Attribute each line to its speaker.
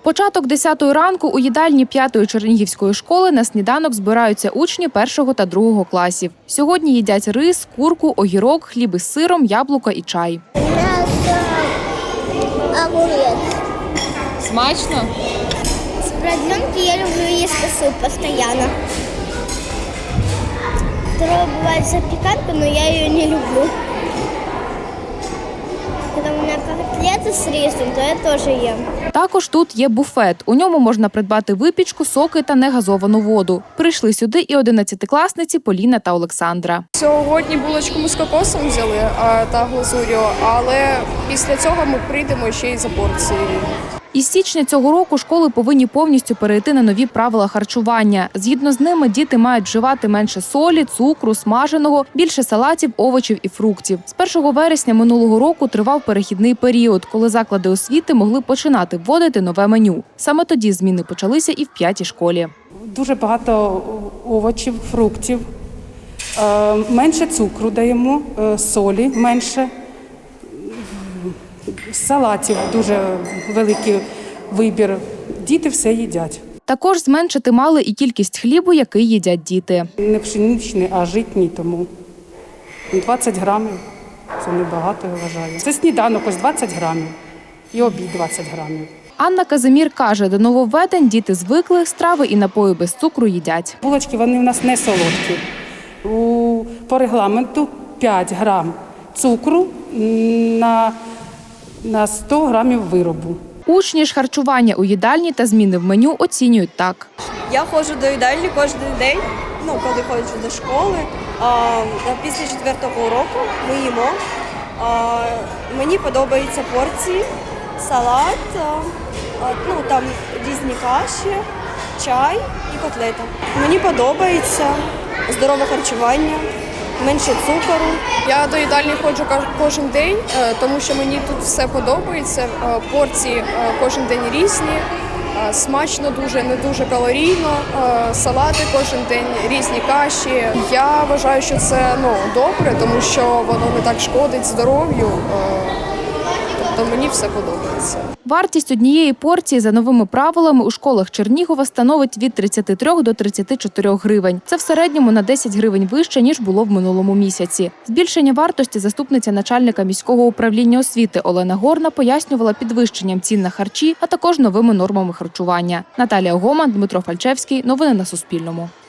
Speaker 1: Початок 10-ї ранку у їдальні 5-ї Чернігівської школи на сніданок збираються учні 1-го та 2-го класів. Сьогодні їдять рис, курку, огірок, хліб із сиром, яблука і чай.
Speaker 2: М'ясо, огурець.
Speaker 1: Смачно?
Speaker 2: З продленки я люблю їсти суп постійно. Второе бывает запеканка, но я ее не люблю. Когда у меня котлеты с рисом, то я тоже ем.
Speaker 1: Також тут є буфет. У ньому можна придбати випічку, соки та негазовану воду. Прийшли сюди і 11-класниці Поліна та Олександра.
Speaker 3: Сьогодні булочку з кокосом взяли та глазур'ю, але після цього ми прийдемо ще й за порцією.
Speaker 1: Із січня цього року школи повинні повністю перейти на нові правила харчування. Згідно з ними, діти мають вживати менше солі, цукру, смаженого, більше салатів, овочів і фруктів. З 1 вересня минулого року тривав перехідний період, коли заклади освіти могли починати вводити нове меню. Саме тоді зміни почалися і в 5-й школі.
Speaker 4: Дуже багато овочів, фруктів, менше цукру даємо, солі менше. Салатів дуже великий вибір. Діти все їдять.
Speaker 1: Також зменшити мали і кількість хлібу, який їдять діти.
Speaker 4: Не пшеничний, а житній, тому 20 грамів – це небагато, я вважаю. Це сніданок ось 20 грамів і обід 20 грамів.
Speaker 1: Анна Казимір каже, до нововведень діти звикли, страви і напої без цукру їдять.
Speaker 4: Булочки, вони в нас не солодкі. По регламенту 5 грам цукру на 100 грамів виробу.
Speaker 1: Учні ж харчування у їдальні та зміни в меню оцінюють так.
Speaker 5: Я ходжу до їдальні кожен день, коли ходжу до школи. Після 4-го уроку ми їмо. Мені подобаються порції, салат, там різні каші, чай і котлета. Мені подобається здорове харчування. Менше цукору.
Speaker 3: Я до їдальні ходжу кожен день, тому що мені тут все подобається. Порції кожен день різні, смачно дуже, не дуже калорійно, салати кожен день, різні каші. Я вважаю, що це добре, тому що воно не так шкодить здоров'ю. Тобто мені все подобається.
Speaker 1: Вартість однієї порції за новими правилами у школах Чернігова становить від 33 до 34 гривень. Це в середньому на 10 гривень вище, ніж було в минулому місяці. Збільшення вартості заступниця начальника міського управління освіти Олена Горна пояснювала підвищенням цін на харчі, а також новими нормами харчування. Наталія Гоман, Дмитро Фальчевський. Новини на Суспільному.